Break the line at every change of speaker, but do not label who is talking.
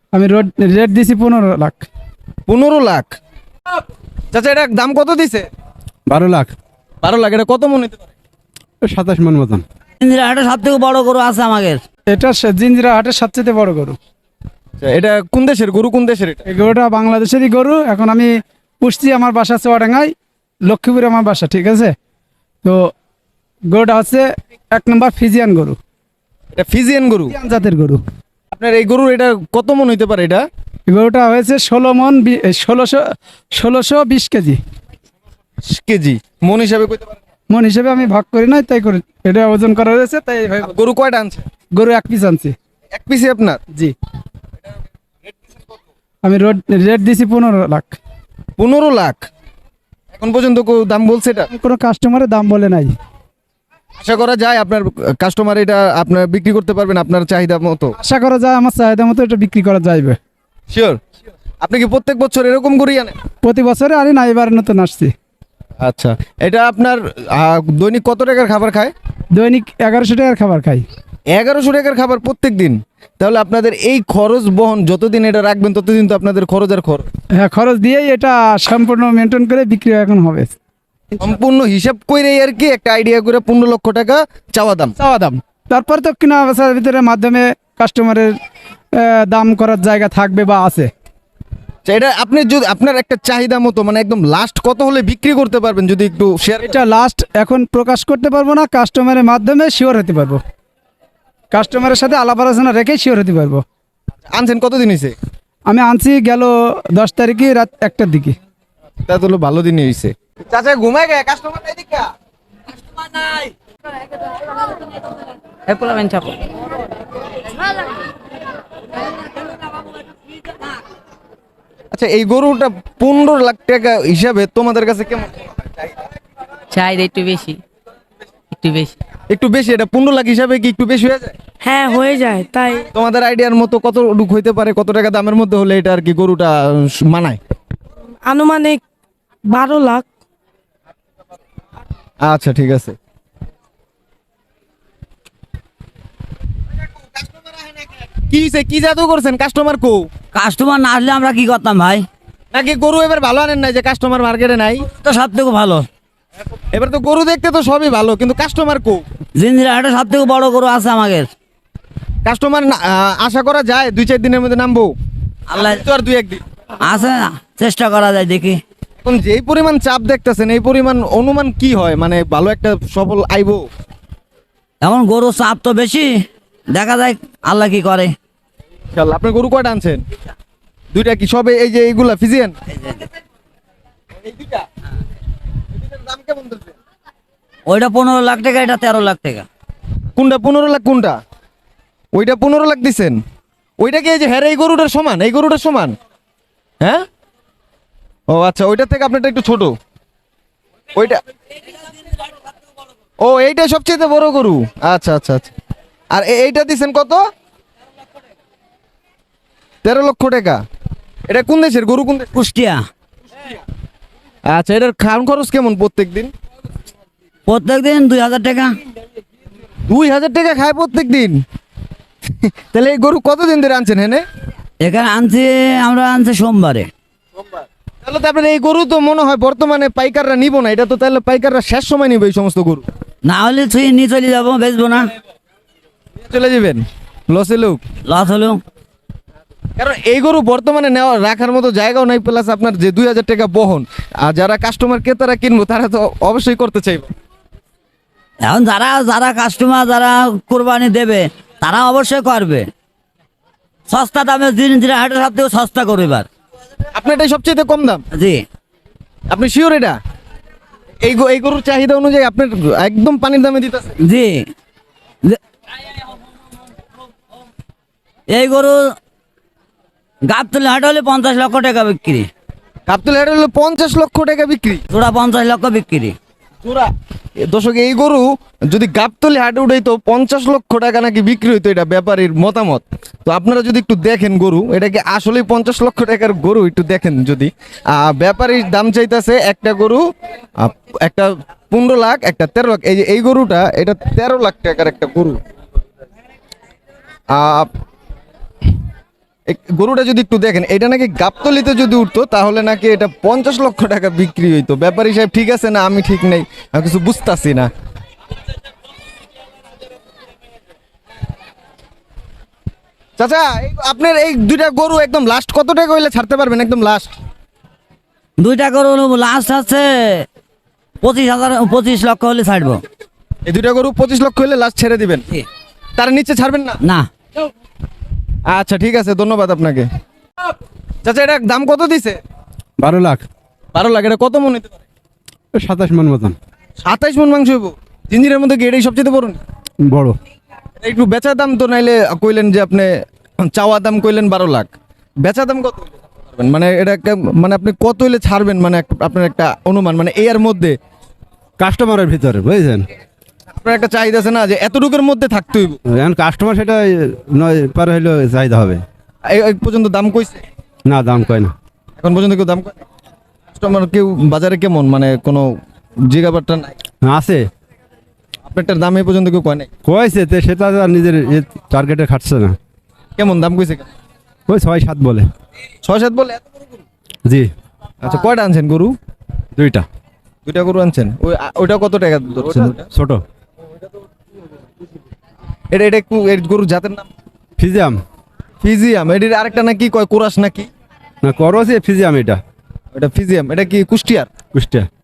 আমি রেট দিছি 15 লাখ।
15 লাখ? চাচা এটা দাম কত দিছে?
12 লাখ।
12 লাখ। এটা কত মন হতে পারে?
27 মন মতন।
ইন্দিরা হাটে সব থেকে বড় গরু আছে আমাদের।
এটা জিঞ্জিরা হাটের সবচেয়ে বড় গরু।
আচ্ছা, এটা কোন দেশের গরু? কোন দেশের এটা?
এই গরুটা বাংলাদেশেরই গরু। এখন আমি পুষছি, আমার বাসা চুয়াডাঙ্গায়, লক্ষ্মীপুরে আমার বাসা, ঠিক আছে? তো গরুটা হচ্ছে 1 নম্বর ফিজিয়ান গরু,
এটা ফিজিয়ান গরু।
ফিজিয়ান জাতের গরু।
আপনার এই গরুর এটা কত মন হইতে পারে এটা?
এই গরুটা হয়েছে 1620 কেজি।
কেজি মন হিসাবে কইতে পারেন?
মন হিসেবে আমি ভাগ করি নাই, তাই করে এটা ওজন করা হয়েছে, তাই এইভাবে বলছি।
গরু কয়টা আনছে?
গরু 1 পিস আনছি।
এক পিসে আপনার?
জি। আমি রেট দিছি 15 লাখ।
15 লাখ? এখন পর্যন্ত দাম বলছে এটা?
কোনো কাস্টমারের দাম বলে নাই।
আশা করা যায় আপনার কাস্টমার এটা আপনার বিক্রি করতে পারবেন আপনার চাহিদা মতো?
আশা করা যায় আমার চাহিদা মতো এটা বিক্রি করা যাইবে।
শিওর? আপনি কি প্রত্যেক বছর এরকম গরুই আনেন?
প্রতি বছরে আনি না, এবার নতুন আসছি।
আচ্ছা, এটা আপনার দৈনিক কত টাকার খাবার খায়?
দৈনিক 1100 টাকার খাবার খাই।
1100 টাকার খাবার প্রত্যেক দিন? তাহলে আপনাদের এই খরচ বহন যতদিন এটা রাখবেন ততদিন তো আপনাদের খরচ আর খরচ।
হ্যাঁ, খরচ দিয়েই এটা সম্পূর্ণ মেনটেন করে বিক্রি এখন হবে।
সম্পূর্ণ হিসাব করে আর কি একটা আইডিয়া করে 15 লক্ষ টাকা চাওয়া দাম।
চাওয়া দাম, তারপর তো কিনা বেচার ভিতরে মাধ্যমে কাস্টমারের দাম করার জায়গা থাকবে বা আছে।
আচ্ছা, এটা আপনি যদি আপনার একটা চাহিদা মতো মানে একদম লাস্ট কত হলে বিক্রি করতে পারবেন যদি একটু শেয়ার?
এটা লাস্ট এখন প্রকাশ করতে পারবো না, কাস্টমারের মাধ্যমে শিওর হতে পারবো। কাস্টমারের সাথে আলাপ আলোচনা রেখে শিওর হতে পারবো।
আনছেন কতদিন হয়েছে?
আমি আনছি গেল 10 তারিখে রাত 1টার দিকে।
তা তো হলো ভালো দিনই হয়েছে। চাচা ঘুমায় গে, কাস্টমার নাই দেখা? আচ্ছা, এই গরুটা 15 লাখ টাকা হিসাবে তোমাদের কাছে কেমন?
চাহিদা একটু বেশি, একটু বেশি।
একটু বেশি? এটা 15 লাখ হিসাবে কি একটু বেশি হয়ে যায়?
হ্যাঁ, হয়ে যায়। তাই
তোমাদের আইডিয়ার মতো কত লুক হইতে পারে, কত টাকা দামের মধ্যে হলে এটা আর কি গরুটা মানায়?
আনুমানিক 12 লাখ।
আচ্ছা, ঠিক আছে। কি হইছে? কি জাদু করছেন? কাস্টমার কো?
কাস্টমার না আসলে আমরা কি করতাম ভাই?
নাকি গরু এবার ভালো আনেন নাই যে কাস্টমার মার্কেটে নাই?
তো সব থেকে ভালো
এবার তো গরু দেখতে তো সবই ভালো, কিন্তু কাস্টমার কো?
জিঞ্জিরা হাটে সব থেকে বড় গরু আছে আমাদের।
কাস্টমার আশা করা যায় 2-4 দিনের মধ্যে নামবো?
আল্লাহ
তো আর 2-1 দিন।
আছে না, চেষ্টা করা যায়, দেখি।
এখন যেই পরিমাণ চাপ দেখতেছেন এই পরিমাণ অনুমান কি হয় মানে ভালো একটা সফল আইবো?
এখন গরু চাপ তো বেশি, দেখা যায় আল্লাহ কি করে।
ইনশাআল্লাহ। আপনি গরু কয়টা আনছেন? 2টা? কি সবে এই যে এইগুলা ফিজিয়ান? এই 2টা? এটার দাম কেমন দিচ্ছেন?
ওইটা 15 লাখ টাকা, এটা 13 লাখ টাকা।
কোনটা 15 লাখ? কোনটা? ওইটা 15 লাখ দিছেন? ওইটা কি এই যে হ্যাঁ এই গরুটার সমান? এই গরুটার সমান? হ্যাঁ? ও আচ্ছা, ওইটার থেকে আপনারটা একটু ছোট। ওইটা ও এইটা সবচেয়ে বড় গরু। আচ্ছা আচ্ছা আচ্ছা। আর এইটা দিছেন কত? 13 লক্ষ টাকা। এটা কোন দেশের গরু? কোন দেশ?
কুষ্টিয়া।
আচ্ছা, এটার খাওয়ান খরচ কেমন প্রত্যেক দিন?
প্রত্যেক দিন 2000 টাকা।
2000 টাকা খায় প্রত্যেক দিন? তাহলে এই গরু কতদিন ধরে আনছেন হেনে?
এখানে আমরা আনছি সোমবারে।
তাহলে তো আপনার এই গরু তো মনে হয় বর্তমানে পাইকাররা নিব না, এটা তো তাহলে পাইকাররা শেষ সময় নিবে এই সমস্ত গরু।
না হলে ছুঁয়ে নিয়ে চলে যাবো, বেচবো না,
চলে যাবেন লসে লোক।
লস হলেও।
কারণ এই গরু বর্তমানে নেওয়া রাখার মতো জায়গাও নাই, প্লাস আপনার যে 2000 টাকা বহন, আর যারা কাস্টমার ক্রেতারা কিনবো তারা তো অবশ্যই করতে চাইবে।
এখন যারা যারা কাস্টমার যারা কোরবানি দেবে তারা অবশ্যই করবে। সস্তা দামে জিঞ্জিরা হাটে সব থেকে সস্তা করবে এবার।
আপনার এটাই সবচেয়ে কম দাম?
জি।
আপনি শিওর এটা এই গরুর চাহিদা অনুযায়ী আপনার একদম পানির দামে দিতেছে?
জি। এই গরু গাবতলি হাট হলে 50 লক্ষ টাকা বিক্রি।
কাপ্তুল হেড হলো 50 লক্ষ টাকা বিক্রি?
তোরা 50 লক্ষ বিক্রি।
দর্শক, এই গরু যদি গাবতলি হাটে উঠাইতো 50 লক্ষ টাকা নাকি বিক্রি হইতো, এটা ব্যাপারীর মতামত। তো আপনারা যদি একটু দেখেন গরু, এটা কি আসলেই 50 লক্ষ টাকার গরু একটু দেখেন যদি। ব্যাপারীর দাম চাইতেছে একটা গরু একটা 15 লাখ, একটা 13 লাখ। এই যে এই গরুটা এটা 13 লাখ টাকার একটা গরু। গরুটা যদি একটু দেখেন, এটা নাকি গাবতলিতে যদি উঠতো তাহলে নাকি এটা 50 লক্ষ টাকা বিক্রি হইতো। ব্যাপারী সাহেব ঠিক আছে না আমি ঠিক নেই, আমি কিছু বুঝতাছি না। চাচা আপনার এই দুইটা গরু একদম লাস্ট কত টাকা হইলে ছাড়তে পারবেন? একদম লাস্ট
দুইটা গরু লাস্ট আছে 25 লক্ষ হলে ছাড়বো।
এই দুইটা গরু 25 লক্ষ হইলে লাস্ট ছেড়ে দিবেন, তার নিচে ছাড়বেন না?
না,
আচ্ছা ঠিক আছে, ধন্যবাদ আপনাকে। চাচা এটা দাম কত দিছে?
12 লাখ,
12 লাখ। এটা কত মন হইতে পারে?
27 মন মতন।
27 মন মাংস হইব? জিঞ্জিরের মধ্যে কি এটাই সবচেয়ে বড়?
বড়।
একটু বেচা দাম তো নাইলে কইলেন যে আপনি চাওয়া দাম কইলেন 12 লাখ, বেচা দাম কত হইলে ছাড়তে পারবেন? মানে এটা মানে আপনি কত হইলে ছাড়বেন, মানে আপনার একটা অনুমান, মানে এর মধ্যে
কাস্টমারের ভিতরে বুঝছেন,
আপনার একটা চাহিদা আছে না যে এতটুকুর মধ্যে থাকতে হইব,
এখন কাস্টমার সেটা নয় পার হইলে চাহিদা হবে।
এই পর্যন্ত দাম কইছে?
না, দাম কয় না।
এখন পর্যন্ত কেউ দাম কয়? কাস্টমার কেউ বাজারে কেমন, মানে কোনো জিগাবারটা নাই?
আছে,
আপনারটার দাম এই পর্যন্ত কেউ কয় নাই?
কয়েছে তো সেটা তো আর নিজের টার্গেটে খাটছে না।
কেমন দাম কইছে?
ওই 6-7 বলে।
6-7 বলে? এত বড় গরু?
জি,
আচ্ছা কয়টা আনছেন গরু?
দুইটা।
দুইটা গরু আনছেন। ওইটা কত টাকা ধরছেন?
ছোট
এটা এটা একটু এর গরু জাতের নাম?
ফিজিয়াম
ফিজিয়াম। এটির আরেকটা নাকি কয় কোরাস নাকি?
না, করছে ফিজিয়াম, এটা
এটা ফিজিয়াম। এটা কি কুষ্টিয়ার?
কুষ্টিয়া।